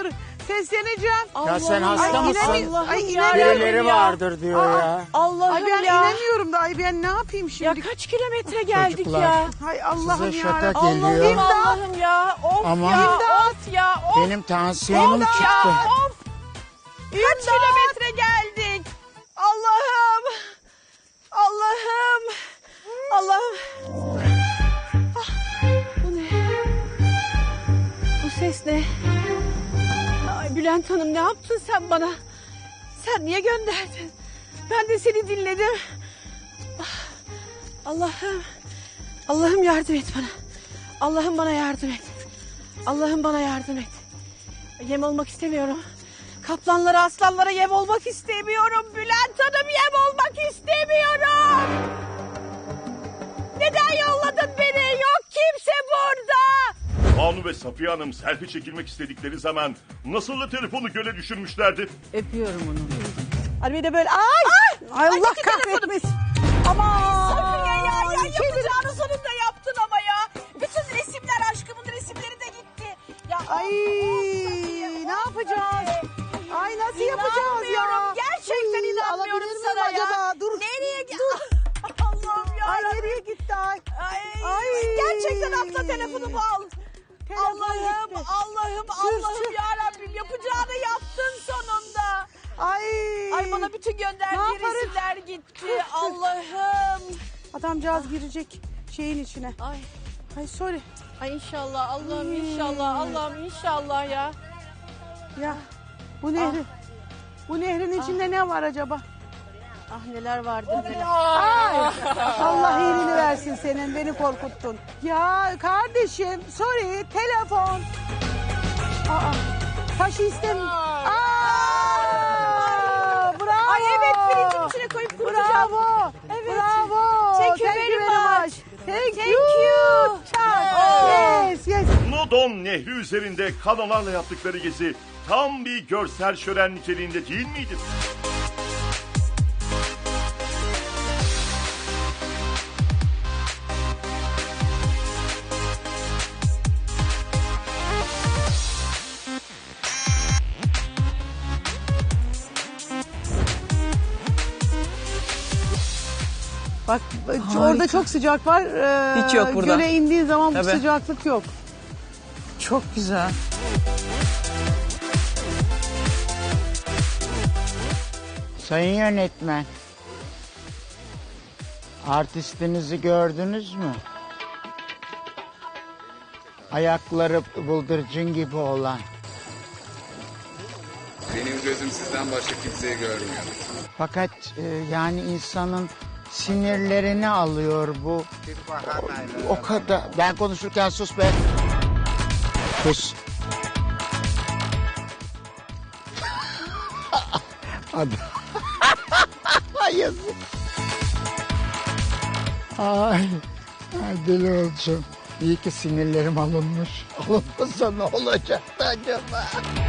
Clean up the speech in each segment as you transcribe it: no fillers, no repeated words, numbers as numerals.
dur. Sesleneceğim. Ya sen hasta Ay, mısın? Ay Birileri vardır diyor ya. Allah'ım Ay ben ya. inanıyorum da ay ben ne yapayım şimdi? Ya kaç kilometre geldik Çocuklar. ya. Hay Allah'ım Size ya. şaka Rabbim. geliyor. Allah'ım Allah'ım ya. Of Ama- ya. İmdat. Of ya. Of. Benim tansiyonum Ya, çıktı. of. Kaç kilometre geldik. Allah'ım. Allah'ım. Allah'ım. Ah, bu ne? Bu ses ne? Ay Bülent Hanım ne yaptın sen bana? Sen niye gönderdin? Ben de seni dinledim. Ah, Allah'ım. Allah'ım yardım et bana. Allah'ım bana yardım et. Allah'ım bana yardım et. Yem olmak istemiyorum. Kaplanlara, aslanlara yem olmak istemiyorum. Bülent Hanım yem olmak istemiyorum. Neden yolladın beni? Yok kimse burada. Banu ve Safiye Hanım selfie çekilmek istedikleri zaman nasıl da telefonu göle düşürmüşlerdi. Öpüyorum onu. Hani bir de böyle ay Allah kahretmesin. Aman. Safiye ya yapacağını sonunda yaptın ama ya. Bütün resimler aşkımın resimleri de gitti. Ya Ay ne yapacağız? Ay nasıl yapacağız ya? İnanmıyorum. Gerçekten inanmıyorum Alabilir miyim sana ya. acaba? Dur. Nereye Allah'ım ya. Ay nereye gitti ay? Ay, gerçekten atla telefonumu al. Allah'ım, gitti. Allah'ım, Allah'ım ya Rabbim yapacağını yaptın sonunda. Ay. Ay bana bütün Ne gönderdiği yaparız? resimler gitti. Allah'ım. Adamcağız girecek şeyin içine. Ay, Ay sorry. ay inşallah Allah'ım inşallah Allah'ım inşallah ya. Ya bu nehri. Bu nehrin içinde ne var acaba? Ah neler vardı neler. Ay, Allah iyiliğini versin senin. Beni korkuttun. Ya kardeşim sorry telefon. Aa, taşı istemiyorum. Bravo. Ay evet pirincin içine koyup kurutacağım. Bravo. Evet. Bravo. Thank you very much. Thank Thank you. you. Yes, yes. Nodon Nehri üzerinde kanolarla yaptıkları gezi tam bir görsel şölen niteliğinde değil miydi? Bak orada çok sıcak var. Hiç yok burada. Göle indiğin zaman bu Tabii. sıcaklık yok. Çok güzel. Sayın yönetmen. Artistinizi gördünüz mü? Ayakları bıldırcın gibi olan. Benim gözüm sizden başka kimseyi görmüyor. Fakat yani insanın sinirlerini alıyor bu. O kadar. Ben konuşurken sus be. Sus. Hadi. Yazık. Ay. Ay deli olacağım. İyi ki sinirlerim alınmış. Alınmasa ne olacaktı acaba?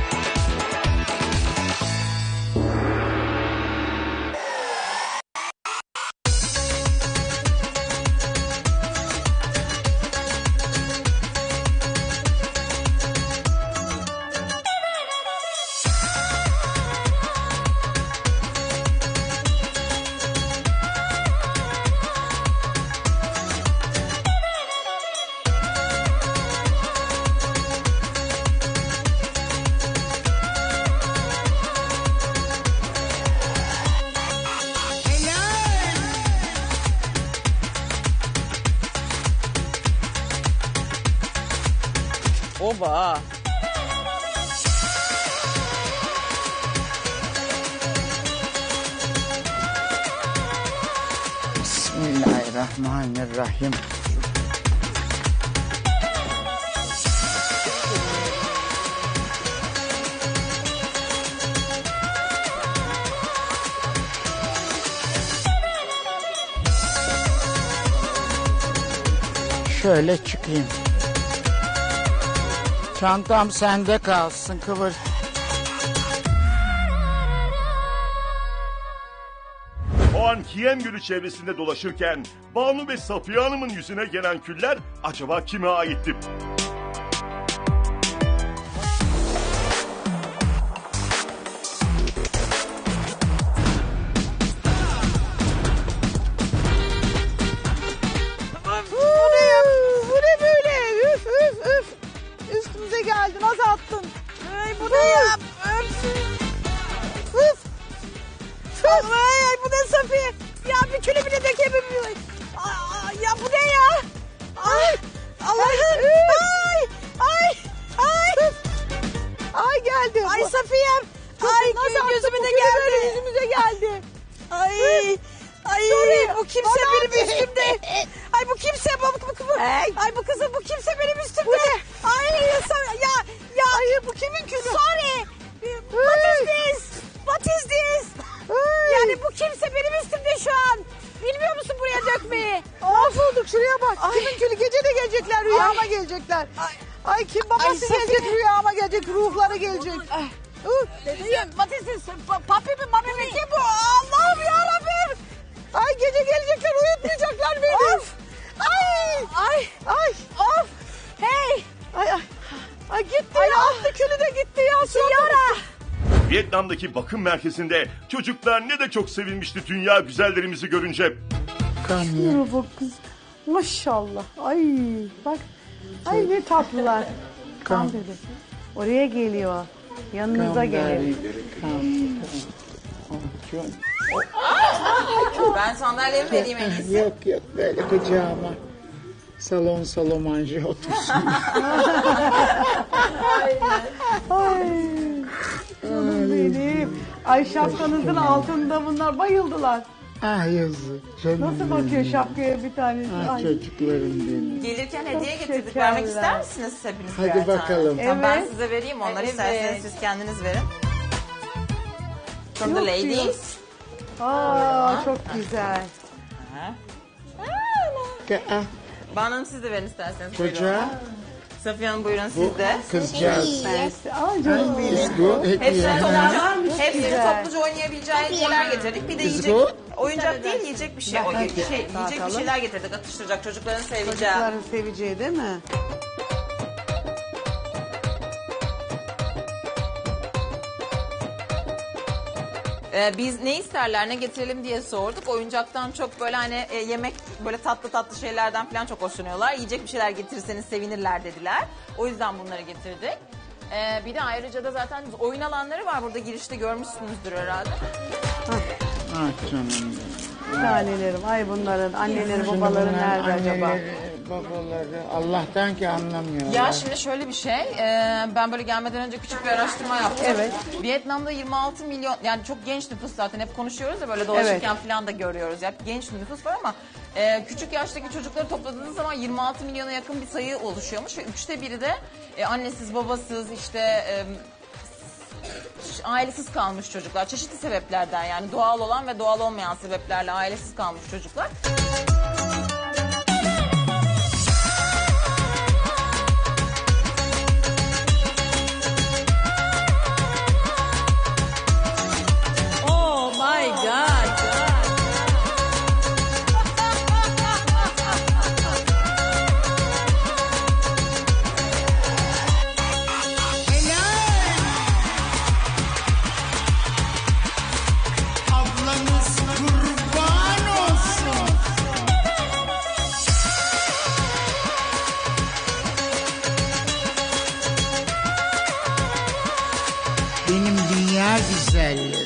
Oba. Bismillahirrahmanirrahim. Şöyle çıkayım. Çantam sende kalsın kıvır. O an Kiyem Gölü çevresinde dolaşırken Banu ve Safiye Hanım'ın yüzüne gelen küller acaba kime aitti? geldi. Ay Safiye'm. Ay Nasıl gözüme attı? de Bu küre geldi. böyle yüzümüze geldi. Ay. Ay bu kimse bana benim at. üstümde. Ay bu kimse Ay bu kızım bu kimse benim üstümde. Ay ya. Ay bu kimin külü? Sorry. What is this? What is this? Yani bu kimse benim üstümde şu an. Bilmiyor musun buraya dökmeyi? Mahvolduk şuraya bak. Kimin külü? Gece de gelecekler, rüyama gelecekler. Ay kim babası gelecek, rüyama gelecek, ruhları gelecek. What is this? Papi mi mami mi kim bu? Allah'ım yarabbim. Ay gece gelecekler, uyutmayacaklar beni. Of. Ay. Of. Hey. Ay gitti ya. Attı külü de gitti ya. Yara. Vietnam'daki bakım merkezinde çocuklar ne de çok sevinmişti dünya güzellerimizi görünce. Kanıyor. Bu kız. Maşallah. Ay bak. Ay ne tatlılar. Kan dedi. Oraya geliyor. Yanınıza geliyor. Ben sandalyemi vereyim en iyisi. Yok böyle kucağıma. Salon salomanje otursun. Ay. Canım benim. Ay şapkanızın altında bunlar bayıldılar. Ah yazık. Canım Nasıl bakıyor şapkaya bir tanesi? Ah Ay. çocuklarım benim. Gelirken hediye getirdik. şekerler. Vermek ister misiniz hepiniz Hadi birer tane? bakalım. Tamam, ben Evet. size vereyim onları. Evet. İsterseniz siz kendiniz verin. From the Yok ladies. Aa çok güzel. Ah, Banu siz de verin isterseniz. Buyurun. çocuğa Safiye Hanım buyurun bu siz de. kızcağız. Ay canım benim. Bu hediye. Hepsini güzel. topluca oynayabileceği hediyeler getirdik. Bir de Kız yiyecek, bu. oyuncak değil yiyecek bir şey. Yiyecek bir şeyler getirdik atıştıracak çocukların seveceği. Çocukların seveceği değil mi? Biz ne isterler ne getirelim diye sorduk. Oyuncaktan çok böyle hani yemek böyle tatlı şeylerden falan çok hoşlanıyorlar. Yiyecek bir şeyler getirirseniz sevinirler dediler. O yüzden bunları getirdik. Bir de ayrıca da zaten oyun alanları var burada girişte görmüşsünüzdür herhalde. Ah canım benim. Tanelerim. Ay bunların anneleri babaları Bunların nerede acaba? anneleri, babaları Allah'tan ki anlamıyorlar. Ya şimdi şöyle bir şey, ben böyle gelmeden önce küçük bir araştırma yaptım. Evet. Vietnam'da 26 milyon, yani çok genç nüfus zaten hep konuşuyoruz ya böyle dolaşırken falan da görüyoruz. Ya genç nüfus var ama küçük yaştaki çocukları topladığınız zaman 26 milyona yakın bir sayı oluşuyormuş. Ve 1/3'ü de annesiz babasız işte ailesiz kalmış çocuklar. Çeşitli sebeplerden yani doğal olan ve doğal olmayan sebeplerle ailesiz kalmış çocuklar. Oh my God. Ablanız kurban olsun. Benim dünya güzelleri.